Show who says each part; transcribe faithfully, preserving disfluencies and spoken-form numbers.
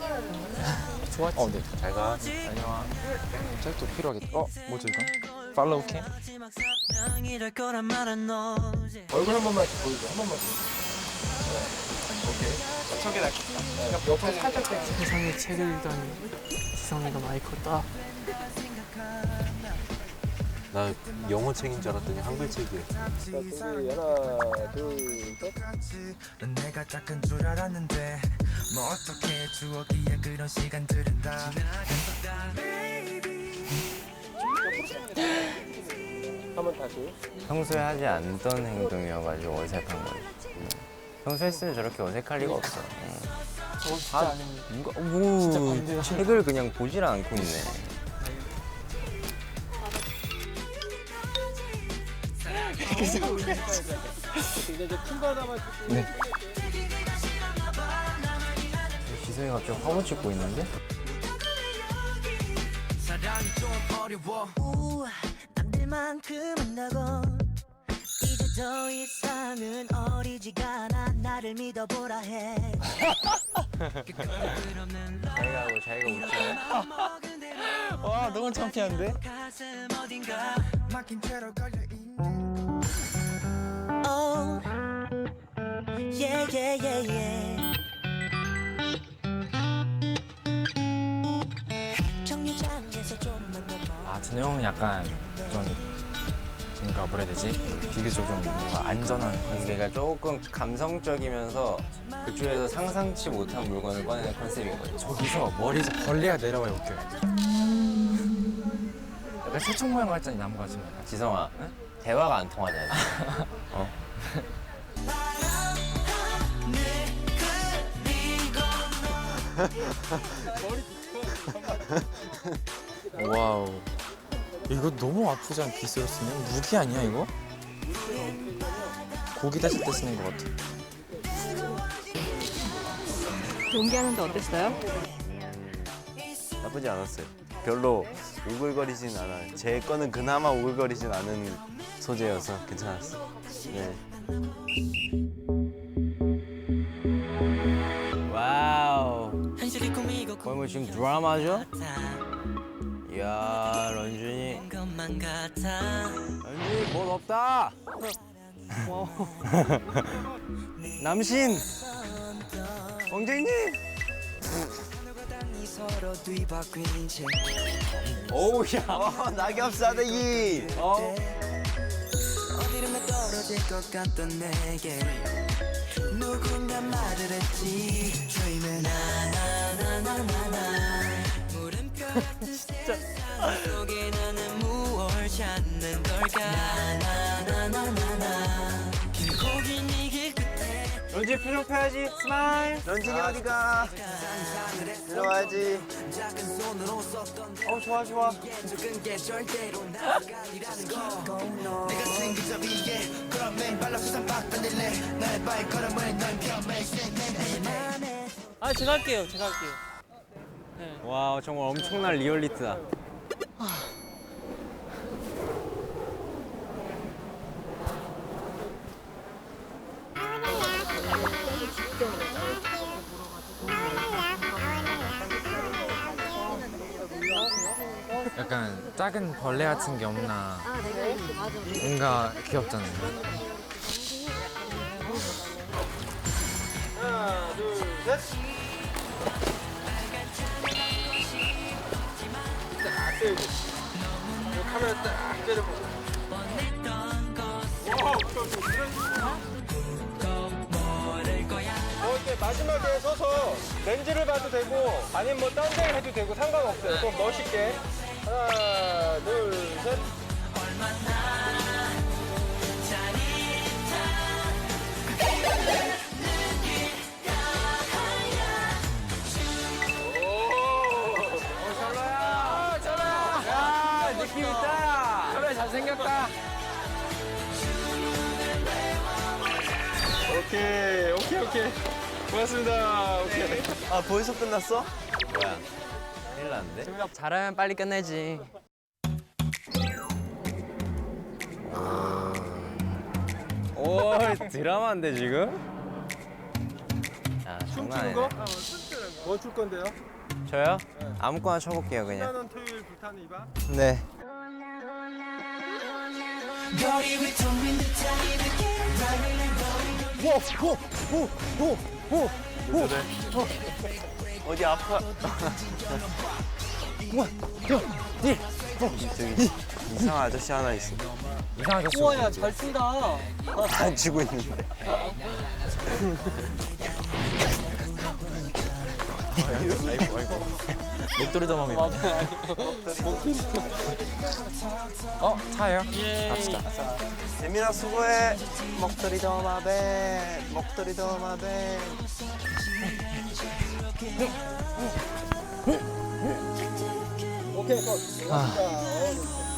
Speaker 1: 좋았지.
Speaker 2: 어, 네.
Speaker 1: 잘 가.
Speaker 2: 안녕.
Speaker 1: 짤도 필요하겠다. 어, 뭐죠 이거? 팔로우 캠? 얼굴 한 번만 보여줘. 한 번만. 네. 오케이. 저게 낫겠다. 옆으로 살짝 빼.
Speaker 3: 세상에 책을 읽다니 지성이가 많이 컸다.
Speaker 4: 나 영어 책인 줄 알았더니 한글 책이야.
Speaker 1: 자, 준비 하나, 둘, 셋.
Speaker 5: 넌 내가 짝은 줄 알았는데 뭐 어떻게 추억이야 그런 시간들은 다
Speaker 1: 한번 다시.
Speaker 6: 평소에 하지 않던 행동이어가지고 어색한 거지. 평소에 했으면 저렇게 어색할 리가 없어.
Speaker 3: 저거 진짜 아닙니다.
Speaker 6: 누가 뭐 책을 그냥 보질 않고 있네.
Speaker 1: 이제 이제 큰 거 하나만 주세요.
Speaker 6: 네. 지성이 갑자기 화보 찍고 있는데?
Speaker 5: 사랑이 좀 어려워
Speaker 7: 우, 남들만큼은 나고 이제 더 이상은 어리지가 않아 나를 믿어보라 해
Speaker 6: 자기가 하고 자기가 웃지.
Speaker 1: 와, 너무 창피한데?
Speaker 7: 가슴 어딘가
Speaker 5: 막힌 채로 걸려있는
Speaker 7: Oh Yeah yeah yeah yeah 정류장에서 좀만 더
Speaker 2: 아, 준호 형은 약간 좀 뭔가 뭐라 해야 되지? 비교적 좀 뭔가 안전한.
Speaker 6: 그러니까 조금 감성적이면서 그쪽에서 상상치 못한 물건을 꺼내는 컨셉인 거지.
Speaker 2: 저기서 머리에서 벌레가 내려와요, 웃겨요. 약간 새총 모양 같잖아, 나무 같은 거.
Speaker 6: 지성아, 대화가 안 통하잖아. 어?
Speaker 2: 와우. 이거 너무 아프지 않게 빗으로 쓰면? 무기 아니야, 이거? 고기 다실 때 쓰는 것 같아.
Speaker 8: 연기하는데 어땠어요?
Speaker 6: 나쁘지 않았어요. 별로 오글거리진 않아요. 제 거는 그나마 오글거리진 않은 소재여서 괜찮았어. 네. 와우.
Speaker 7: 현실이 꿈이고
Speaker 6: 거의 뭐 지금 드라마죠? 이야, 런쥔이.
Speaker 7: 것만 같아
Speaker 6: 런쥔이 못 없다. 남신. 왕쟁님.
Speaker 5: 서로 뒤바뀐 채
Speaker 6: 오우, 야. 어, 낙엽 싸대기. 어.
Speaker 5: 어디론가 떨어질 것 같던 내게 누군가 말을 했지 dreaming 나나나나나나 물음표 같은 세상 속에 나는 무얼 찾는 걸까 나나나나나나 길고 긴 이 길 끝에
Speaker 6: 런쥔 표정 펴야지. 스마일. 런쥔이 어디가? 들어와야지.
Speaker 5: 작은 손으로 썼던
Speaker 6: 어, 좋아, 좋아.
Speaker 5: 적은 게 절대로 나가 아니라는 거 내가 생긴 저 위에 그런 맨발로 세상 바꿔낼래 나의 발걸음을 넌 겸해
Speaker 3: 아 제가 할게요. 제가 할게요.
Speaker 6: 와, 정말 엄청난 리얼리티다.
Speaker 2: 약간 작은 벌레 같은 게 없나. 뭔가 귀엽잖아요.
Speaker 1: 하나, 둘, 셋. 딱 세우고. 카메라 딱 째려보고. 와우, 어, 이렇게 마지막에 서서 렌즈를 봐도 되고 아니면 뭐 딴 데 해도 되고 상관없어요. 좀 멋있게. 하나, 둘, 셋.
Speaker 6: 느낌 있다.
Speaker 2: 그래, 잘생겼다.
Speaker 1: 오케이, 오케이, 오케이. 고맙습니다. 오케이.
Speaker 6: 아, 벌써 끝났어? 뭐야? 큰일 났는데?
Speaker 3: 잘하면 빨리 끝내지.
Speaker 6: 오, 드라마인데 지금? 아, 장난 아니네.
Speaker 1: 춤추는 거? 어, 춤추는 거. 뭐 줄 건데요?
Speaker 6: 저요? 아무거나 쳐볼게요 그냥.
Speaker 1: 신나는 토요일 불타는 이밤.
Speaker 6: 네. 어디 아파? 저기 이상한 아저씨 하나 있어.
Speaker 2: 이상하게
Speaker 3: 우와야 잘 춘다.
Speaker 6: 안 치고 있는데.
Speaker 2: 목도리 도마입니다. 어 차예요? 갑시다.
Speaker 6: 재민아 수고해. 목도리 도마뱀. 목도리 도마뱀.
Speaker 1: 오케이, 컷. 자, 어,